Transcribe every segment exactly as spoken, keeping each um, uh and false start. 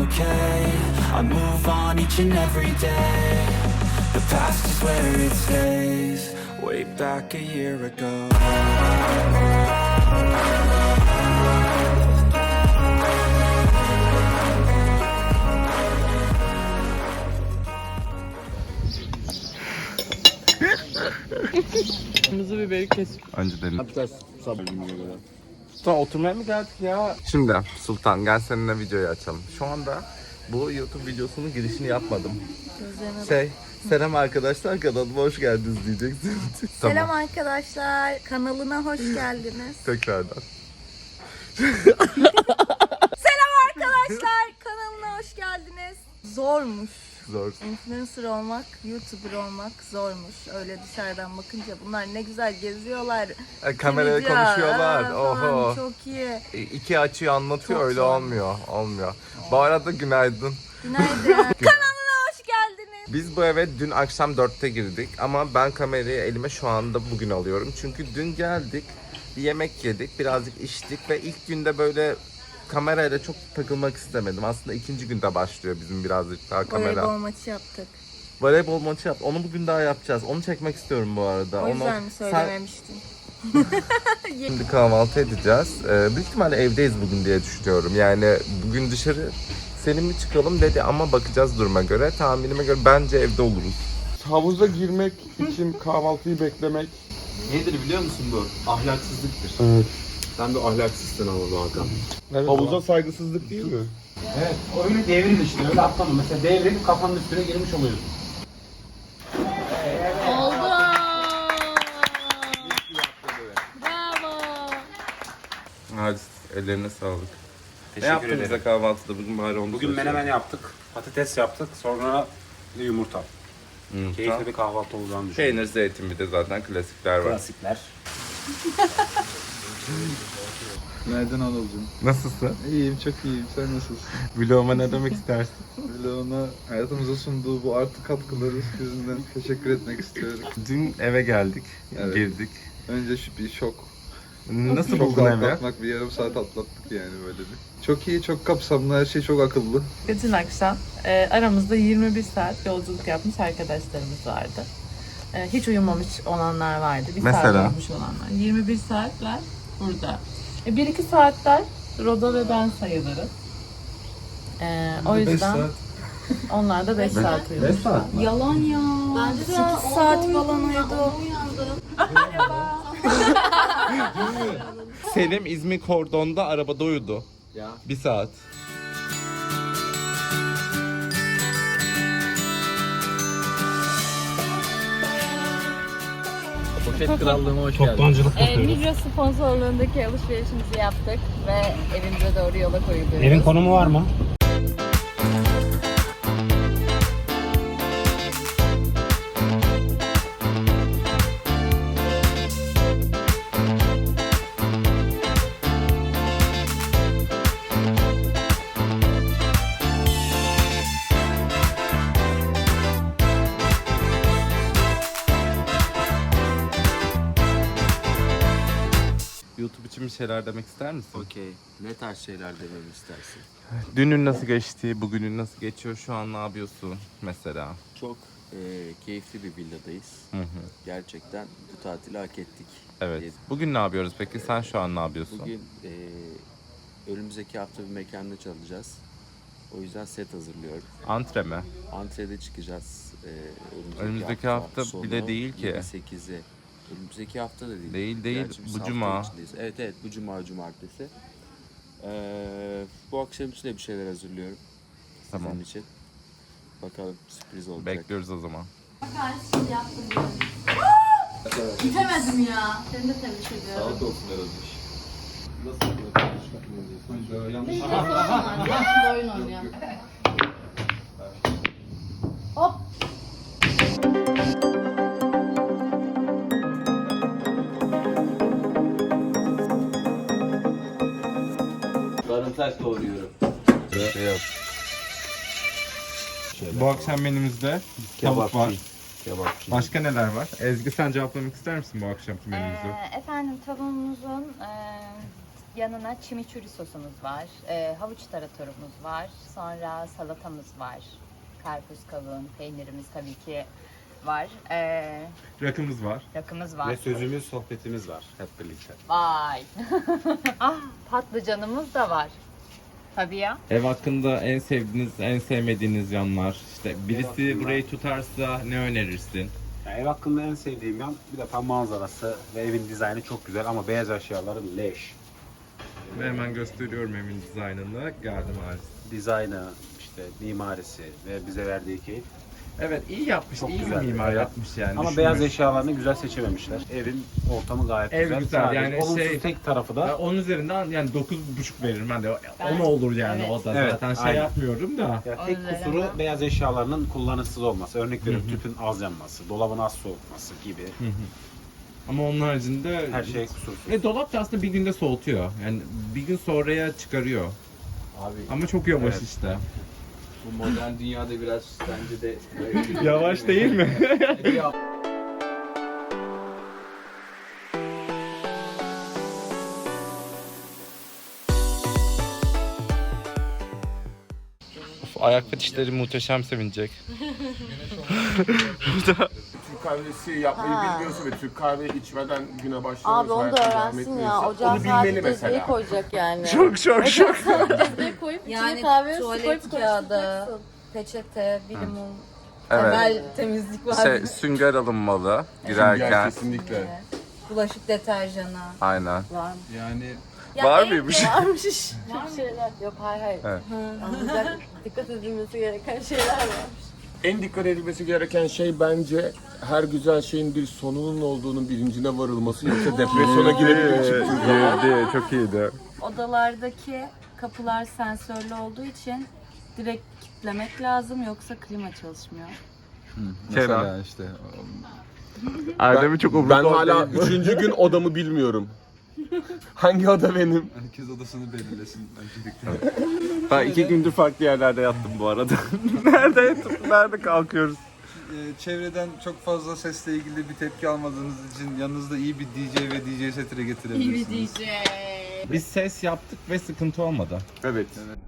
okay. I move on each and every day. The past is where it stays. Way back a year ago. Kırmızı biberi kes. Önce dedim. Yapacağız sabır gününe göre. Sultan oturmaya mı geldik ya? Şimdi Sultan gel seninle videoyu açalım. Şu anda bu YouTube videosunun girişini yapmadım. Gözlerime Şey, selam arkadaşlar kanalıma hoş geldiniz diyeceksin. Selam arkadaşlar, kanalına hoş geldiniz. Tekrardan. Selam arkadaşlar, kanalına hoş geldiniz. Zormuş. Zor. Influencer olmak, YouTuber olmak zormuş. Öyle dışarıdan bakınca bunlar ne güzel geziyorlar. E, kameraya Video, konuşuyorlar. aa, falan, Oho. çok iyi. E, İki açıyı anlatıyor Çok öyle zor. olmuyor. Olmuyor. Bu arada günaydın. Günaydın. Kanalına hoş geldiniz. Biz bu eve dün akşam dörtte girdik ama ben kamerayı elime şu anda bugün alıyorum. Çünkü dün geldik, bir yemek yedik, birazcık içtik ve ilk günde böyle kamerayla çok takılmak istemedim. Aslında ikinci günde başlıyor bizim birazcık daha kamera. Voleybol maçı yaptık. Voleybol maçı yap. Onu bugün daha yapacağız. Onu çekmek istiyorum bu arada. O yüzden Onu... mi söylememiştin? Sen... Şimdi kahvaltı edeceğiz. Ee, büyük ihtimalle evdeyiz bugün diye düşünüyorum. Yani bugün dışarı senin mi çıkalım dedi ama bakacağız duruma göre. Tahminime göre bence evde oluruz. Havuza girmek için kahvaltıyı beklemek. Nedir biliyor musun bu? Ahlaksızlıktır. Evet. Sen bir ahlaksızsın ama bu Hakan. Evet. Havuza saygısızlık değil mi? Evet, öyle devrin işte, öyle atlama. Mesela devrin kafanın üstüne girmiş oluyorsun. Oldu. Bravo. Hadi ellerine sağlık. Teşekkür Ne yaptın ederim. bize kahvaltıda bugün bari onu Bugün söyle. menemen yaptık, patates yaptık, sonra yumurta. Yumurta. Keyifli bir kahvaltı olacağını düşünüyorum. Peynir, zeytin bir de zaten klasikler var. Klasikler. Nereden Anılcım? Nasılsın? İyiyim, çok iyiyim. Sen nasılsın? Vloguma ne demek istersin? Böyle ona hayatımıza sunduğu bu artı katkıları yüzünden teşekkür etmek istiyorum. Dün eve geldik, Evet. girdik. Önce şu bir şok. Nasıl Şok buldun evi? atlatmak, bir yarım saat atlattık yani böyle bir. Çok iyi, çok kapsamlı, her şey çok akıllı. Bütün akşam e, aramızda yirmi bir saat yolculuk yapmış arkadaşlarımız vardı. E, hiç uyumamış olanlar vardı. Bir Mesela? saat uyumuş olanlar. yirmi bir saatler burada. E, bir iki saatler Roda ve ben sayılırız. E, o yüzden onlar da beş saat uyumuşlar. Yalan ya. Bence sekiz saat falan uyudu. Selim İzmir Kordon'da arabada uyudu. Ya. Bir saat. Poşet krallığıma hoş geldin. Toptancılık Ee, Migros sponsorluğundaki alışverişimizi yaptık ve evimize doğru yola koyuluyoruz. Evin konumu var mı? YouTube için bir şeyler demek ister misin? Okey. Ne tarz şeyler dememi istersin? Dünün nasıl geçti, bugünün nasıl geçiyor, şu an ne yapıyorsun mesela? Çok e, keyifli bir villadayız. Hı hı. Gerçekten bu tatili hak ettik. Evet. E, Bugün ne yapıyoruz peki? Sen şu an ne yapıyorsun? Bugün e, önümüzdeki hafta bir mekanda çalacağız. O yüzden set hazırlıyorum. Antre mi? Antrede çıkacağız. E, önümüzdeki, Önümüzdeki hafta sonu bile değil ki. yirmi sekizi. Önümüzdeki hafta da değil. Değil, değil. Gerçi biz Bu hafta cuma. içindeyiz. Evet evet, bu cuma cumartesi. E, bu akşam için de bir şeyler hazırlıyorum. Tamam. Sizin için. Bakalım, sürpriz olacak. Bekliyoruz o zaman. Bitemedim ya. Seni de tebrik ediyorum. Sağlık olsun Erozmuş. Biz de sorun var. Yaşlı oyun oynuyor. Hop. Sarımsak doğruyorum. Şey yap. Bu akşam menümüzde tavuk var. Kebapçı. Başka neler var? Ezgi sen cevaplamak ister misin bu akşamki menümüzü? Ee, efendim tavuğumuzun e, Yanına chimichurri sosumuz var. Ee, havuç taratorumuz var. Sonra salatamız var. Karpuz, kavun, peynirimiz tabii ki var. Ee, Rakımız var. rakımız var. Ve sözümüz, sohbetimiz var hep birlikte. Vay. Ah, patlıcanımız da var. Tabii ya. Ev hakkında en sevdiğiniz, en sevmediğiniz yanlar. İşte birisi burayı tutarsa ne önerirsin? Yani ev hakkında en sevdiğim yan bir defa manzarası ve evin dizaynı çok güzel ama beyaz eşyaları leş. Ve hemen gösteriyorum evin dizaynını. Geldim maalesef. Dizaynı, işte mimarisi ve bize verdiği keyif. Evet, iyi yapmış, Çok iyi güzel. bir mimar Evet. yapmış yani. Ama düşünmek. beyaz eşyalarını güzel seçememişler. Evin ortamı gayet Ev güzel. güzel, Sadece yani olumsuz şey- tek tarafı da Ya onun üzerinden yani dokuz buçuk veririm ben de. on olur yani Evet. o da Evet, zaten şey aynen. yapmıyorum da. ya Onun tek üzerinden- kusuru beyaz eşyalarının kullanışsız olması. Örnek veriyorum tüpün az yanması, dolabın az soğutması gibi. Ama onun haricinde Her şey kusursuz. Ve dolap da aslında bir günde soğutuyor. Yani bir gün sonraya çıkarıyor. Abi Ama çok yavaş Evet. işte. bu modern dünyada biraz bence de Yavaş değil mi? Ya, Ayak fetişleri muhteşem sevinecek. Türk kahvesi yapmayı Ha. bilmiyorsa ve Türk kahve içmeden güne başlamıyorsa Abi onu da hayatına devam öğrensin ya. etmiyorsa Ocağa onu bilmeli sadece mesela. cezveyi koyacak yani. Çok çok çok. Cezveyi koyup Yani içine kahve tuvalet kağıdı, peçete, bir limon, Evet. temel temizlik var. Şey, sünger alınmalı Sünger girerken. kesinlikle. Bulaşık deterjanı Aynen. var mı? Yani Ya Var en- mıymış? varmış. Çok şeyler. Yok hayır hayır. Evet. Alınacak, dikkat edilmesi gereken şeyler varmış. En dikkat edilmesi gereken şey bence her güzel şeyin bir sonunun olduğunun bilincine varılması, yoksa depresyona girebilir çıktığı zaman. Girdi, çok iyiydi. Odalardaki kapılar sensörlü olduğu için direkt kilitlemek lazım yoksa klima çalışmıyor. mesela işte Erdem'i çok umurunda Ben hala değil bu. üçüncü gün odamı bilmiyorum. Hangi oda benim? herkes odasını belirlesin öncelikle. Ben iki gündür farklı yerlerde yattım bu arada. Nerede yatıp nerede kalkıyoruz? Ee, çevreden çok fazla sesle ilgili bir tepki almadığınız için yanınızda iyi bir D J ve D J setine getirebilirsiniz. Biz ses yaptık ve sıkıntı olmadı. Evet.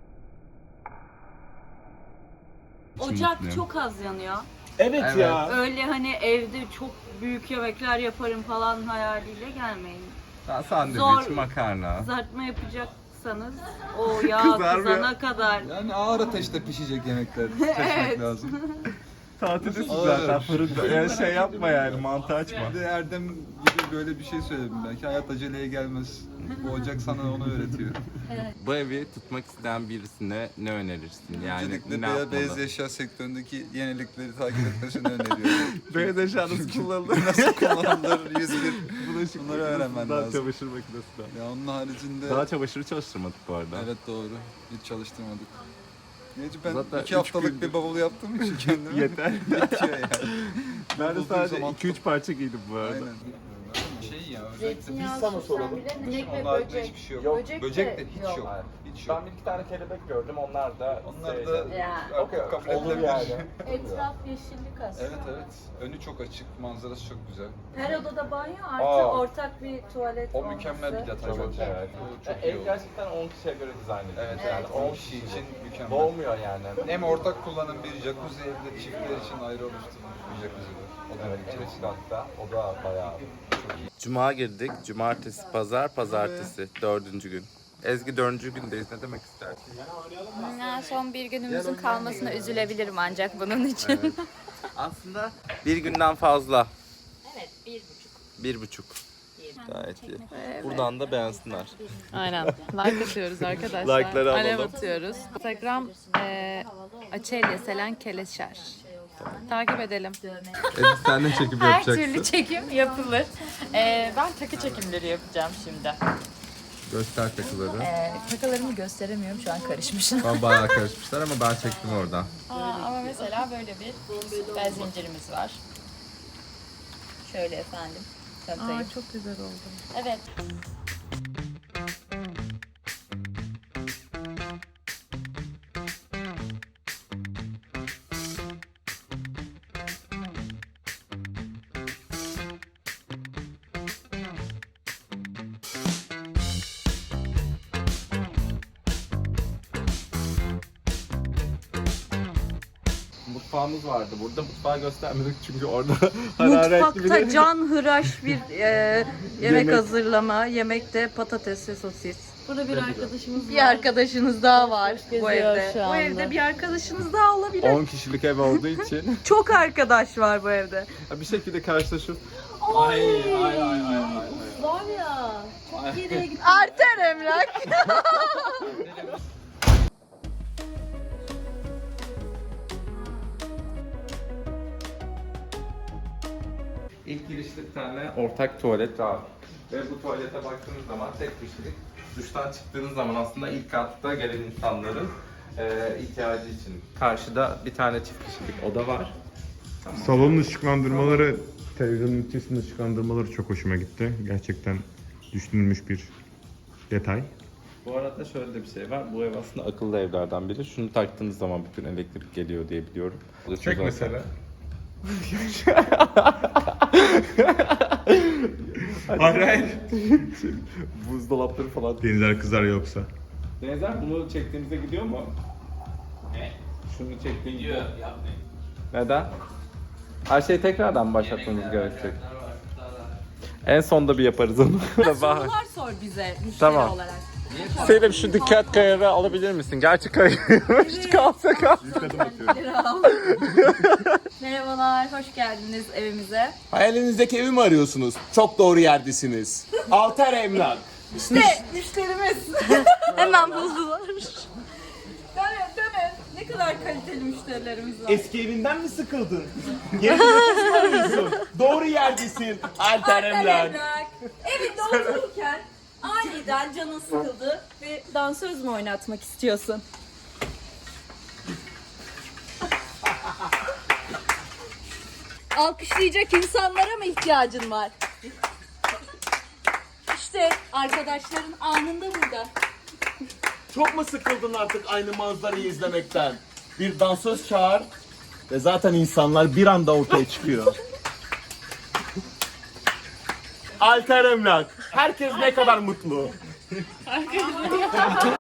Ocak mutluyum. çok az yanıyor. Evet, Evet. ya. Öyle hani evde çok büyük yemekler yaparım falan hayaliyle gelmeyin. Daha sandviç, Zor. makarna. Kızartma yapacaksanız o yağ Kızarmıyor. kızana kadar. Yani ağır ateşte pişecek yemekler seçmek lazım. Tatildesin Ağır. zaten fırında. Yani şey yapma yani mantı açma. Bir de Erdem gibi böyle bir şey söyledim belki hayat aceleye gelmez. Bu ocak sana onu öğretiyor. Bu evi tutmak isteyen birisine ne önerirsin? Yani Öncelikle ne beyaz, yapmalı? beyaz eşya sektöründeki yenilikleri takip etmesini öneriyorum. Beyaz eşya nasıl kullanılır? Nasıl kullanılır yüz bir Bulaşık bunları öğrenmen makinesinden, lazım. çamaşır makinesinden. Ya onun haricinde Daha çamaşırı çalıştırmadık bu arada. evet doğru hiç çalıştırmadık. Neyse ben Zaten iki üç haftalık gündür. bir bavul yaptığım için kendime Yeter. yetiyor yani. Ben de Olduğu sadece zaman iki üç parça giydim bu arada. Aynen. Şey ya Zeytinyağı sana soralım. bile inek ve onlarda böcek. hiçbir şey yok. Böcek, Böcek de de hiç yok. yok. Hiç yok. Ben bir iki tane kelebek gördüm, onlar da Onlar da Ya. artık kabul olur edilebilir. yani. Etraf yeşillik aslında. Evet evet. Önü çok açık, manzarası çok güzel. Her odada banyo artı Aa. ortak bir tuvalet O olması. mükemmel bir detay Evet, bence. evet. Bu çok Ev iyi oldu. gerçekten on kişiye göre dizayn edilmiş. Evet, yani evet. on kişi için mükemmel. Dolmuyor yani. Hem ortak kullanım bir jacuzzi evde çiftler için ayrı oluşturulmuş bir jacuzzi var. O da Evet, evet, evet hatta. O da bayağı çok iyi. Cuma girdik. Cumartesi, pazar, pazartesi. Dördüncü gün. Ezgi dördüncü gündeyiz. Ne demek istersin? Ya, son bir günümüzün kalmasına üzülebilirim ancak bunun için. Aslında bir günden fazla. Evet, bir buçuk. Bir buçuk. Gayet iyi. Buradan da beğensinler. Aynen. Like atıyoruz arkadaşlar. Like'ları Alev alalım. atıyoruz. Instagram e, Açelya Selen Keleşer. Takip edelim. Ezgi sen ne çekip Her yapacaksın? türlü çekim yapılır. E, ben takı çekimleri yapacağım şimdi. Göster takıları. Ee, takılarımı gösteremiyorum şu an karışmışım. Ben bayağı karışmışlar ama ben çektim oradan. Aa, ama mesela böyle bir süper zincirimiz var. Şöyle efendim. Tanıtayım. Aa, çok güzel oldu. Evet. mutfağımız vardı burada. Mutfağı göstermedik çünkü orada hararetli Mutfakta bir... can hıraş bir e, yemek hazırlama. Yemekte patates ve sosis. Burada bir arkadaşımız Bir arkadaşınız daha var bu geziyor evde. şu Bu anda. evde bir arkadaşınız daha olabilir. on kişilik ev olduğu için Çok arkadaş var bu evde. bir şekilde karşılaşıp ay ay ay ay ay. Var ya. Çok geriye gitti. Arter Emlak. İlk girişte bir tane ortak tuvalet var. Ve bu tuvalete baktığınız zaman tek kişilik. Duştan çıktığınız zaman aslında ilk katta gelen insanların e, ihtiyacı için. Karşıda bir tane çift kişilik oda var. Salonun ışıklandırmaları, televizyonun ünitesinin ışıklandırmaları çok hoşuma gitti. Gerçekten düşünülmüş bir detay. Bu arada şöyle de bir şey var. Bu ev aslında akıllı evlerden biri. Şunu taktığınız zaman bütün elektrik geliyor diye biliyorum. Çek mesela. Hayır hayır. Buzdolapları falan. Denizler kızar yoksa. Denizler bunu çektiğimizde gidiyor mu? Ne? Şunu çektiğin gidiyor. Yapmayın. Neden? Her şeyi tekrardan başlatmamız gerekecek. En sonda bir yaparız onu. Sorular sor bize müşteri Tamam. olarak. Selim şu dikkat kayarı alabilir misin? Gerçi kayıyormuş kalsa kalsa. Merhabalar, hoş geldiniz evimize. Hayalinizdeki evi mi arıyorsunuz? Çok doğru yerdesiniz. Alter Emlak. İşte müşterimiz. Hemen buldular. Dönün, dönün. Ne kadar kaliteli müşterilerimiz var. Eski evinden mi sıkıldın? Yeni bir ev mi arıyorsun? Doğru yerdesin. Alter Emlak. Emlak. Evinde otururken aniden canın sıkıldı ve dansöz mü oynatmak istiyorsun? Alkışlayacak insanlara mı ihtiyacın var? İşte arkadaşların anında burada. Çok mu sıkıldın artık aynı manzarayı izlemekten? Bir dansöz çağır ve zaten insanlar bir anda ortaya çıkıyor. Alter Emlak. Herkes ne kadar mutlu.